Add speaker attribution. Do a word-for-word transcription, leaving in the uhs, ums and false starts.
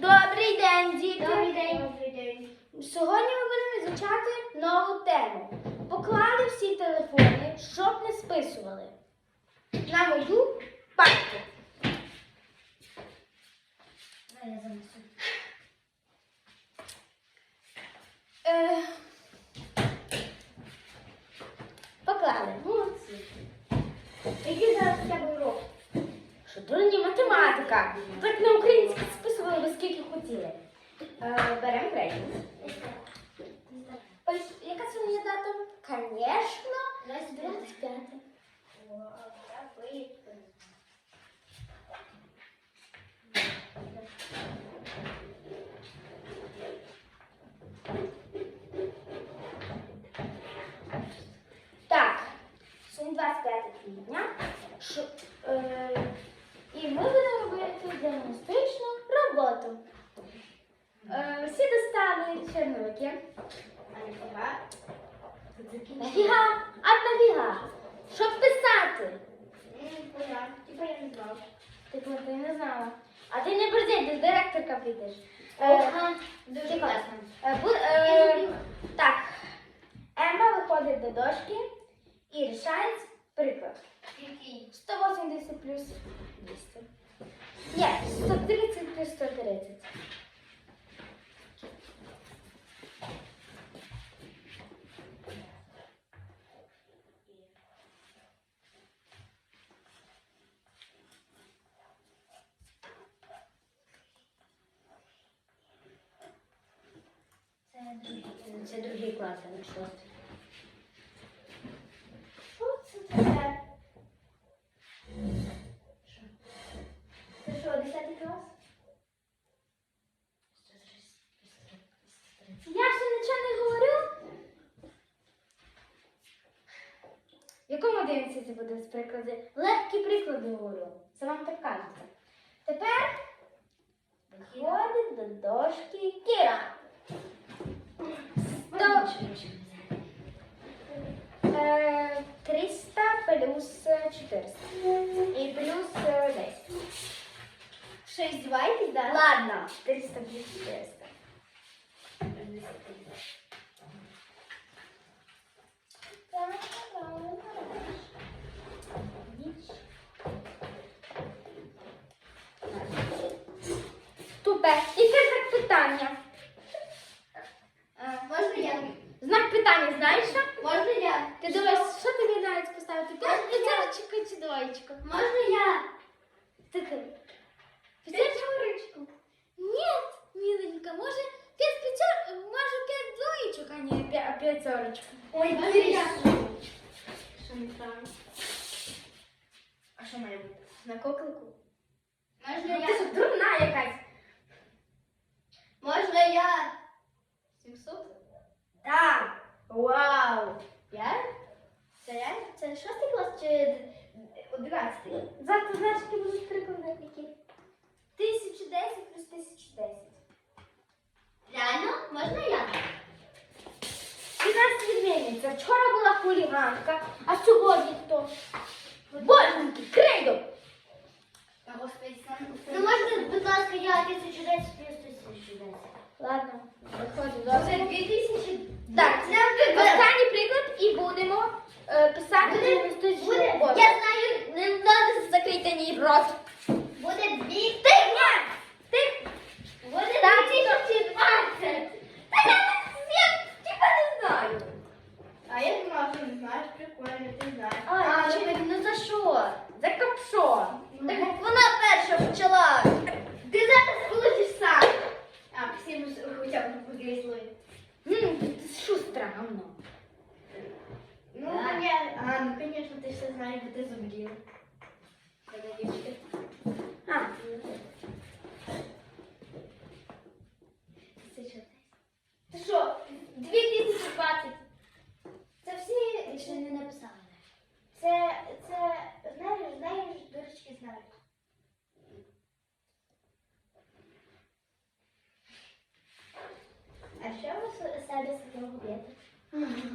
Speaker 1: Добрий день, діти!
Speaker 2: Добрий день. Добрий день.
Speaker 1: Сьогодні ми будемо вивчати нову тему. Поклали всі телефони, щоб не списували. На мою папку.
Speaker 2: А я занесу.
Speaker 1: Е, Поклали. Молодці.
Speaker 2: Який зараз у тебе урок?
Speaker 1: Що дурні математика. Так на українській списували ви скільки хотіли. Е, Беремо крейду. Ось, яка сьогодні дата? Звісно, двадцять п'яте. Так, сьогодні двадцять п'яте квітня. Що, е, і ми будемо робити діагностичну роботу. Е, всі достали черновики. Нафіга? А нафіга? Щоб писати.
Speaker 2: Типа я не знала.
Speaker 1: Типу, ти не знала. А ти не берди, ти з директорка підеш. Е,
Speaker 2: Ага, дуже класно.
Speaker 1: е, бу- е, так, Ема виходить до дошки і рішає приклад.
Speaker 2: Який?
Speaker 1: сто вісімдесят плюс двісті. Ні, сто тридцять плюс сто тридцять.
Speaker 2: Це другий, це другий клас, а не шостий.
Speaker 1: Що це таке?
Speaker 2: Що? Це що, десятий клас?
Speaker 1: Я ще нічого не говорю. В якому одинадцяті буде з приклади? Легкі приклади говорю. Це вам так кажеться. Тепер виходить до дошки Кіра. Сто, е, триста плюс чотириста. І плюс е, десять.
Speaker 2: Що, издеваетесь, да?
Speaker 1: Ладно, триста плюс чотириста. Тупе. І це знак питання.
Speaker 2: А, можна я?
Speaker 1: Знак питання знаєш що?
Speaker 2: Можна я?
Speaker 1: Ти думаєш, що тобі навіть поставити? П'яточку чи двоєчку?
Speaker 2: Можна я?
Speaker 1: Таке.
Speaker 2: Пятерочку.
Speaker 1: Нет, миленька, може п'ять п'ятер, може п'ять двоєчок, а не п'я- п'ятерочку.
Speaker 2: Ой,
Speaker 1: Можна
Speaker 2: Кирі.
Speaker 1: я?
Speaker 2: Що неправильно?
Speaker 1: А що має бути? На коклику?
Speaker 2: Можна
Speaker 1: Ну, ти що,
Speaker 2: я?
Speaker 1: дурна якась?
Speaker 2: Можна я?
Speaker 1: сімсот? Так. Вау.
Speaker 2: Я? Це я? Це шостий клас чи одинадцятий?
Speaker 1: Завтра знаєш, які будуть приклади які? тисяча десять плюс тисяча десять.
Speaker 2: Реально? Можна я?
Speaker 1: І нас відміниться. Вчора була хуліганка, а сьогодні хто? Боженьки, крейдо!
Speaker 2: Та господи, сам. Ну можна, будь ласка, я тисячу десять плюс тисячу десять.
Speaker 1: Ладно, виходить
Speaker 2: Це
Speaker 1: добре.
Speaker 2: дві тисячі.
Speaker 1: Так, останній приклад і будемо е, писати
Speaker 2: Буде-
Speaker 1: діагностичну
Speaker 2: буде-
Speaker 1: роботу.
Speaker 2: я знаю.
Speaker 1: Не треба закрити ні рот.
Speaker 2: Буде дві
Speaker 1: Тихо! Тихо!
Speaker 2: Буде
Speaker 1: Так,
Speaker 2: дві тисячі двадцять.
Speaker 1: Та я не типа не знаю.
Speaker 2: А я думала, що не знаєш, прикольно, ти знаєш.
Speaker 1: А,
Speaker 2: чи-
Speaker 1: ну за що? За капшо.
Speaker 2: Так вона перша почала. Ти зараз получиш сам. А, всім хоча б погрізли.
Speaker 1: М, ти шустра, гавно.
Speaker 2: Ну,
Speaker 1: Да.
Speaker 2: конечно. А, ну, конечно, ти все знаєш, бо ти зубрів.
Speaker 1: А,
Speaker 2: Ти що, дві тисячі двадцять? Це всі ще не написали. Це, це, знаєш, знаєш, дурочки знають. А що ви себе себе робите?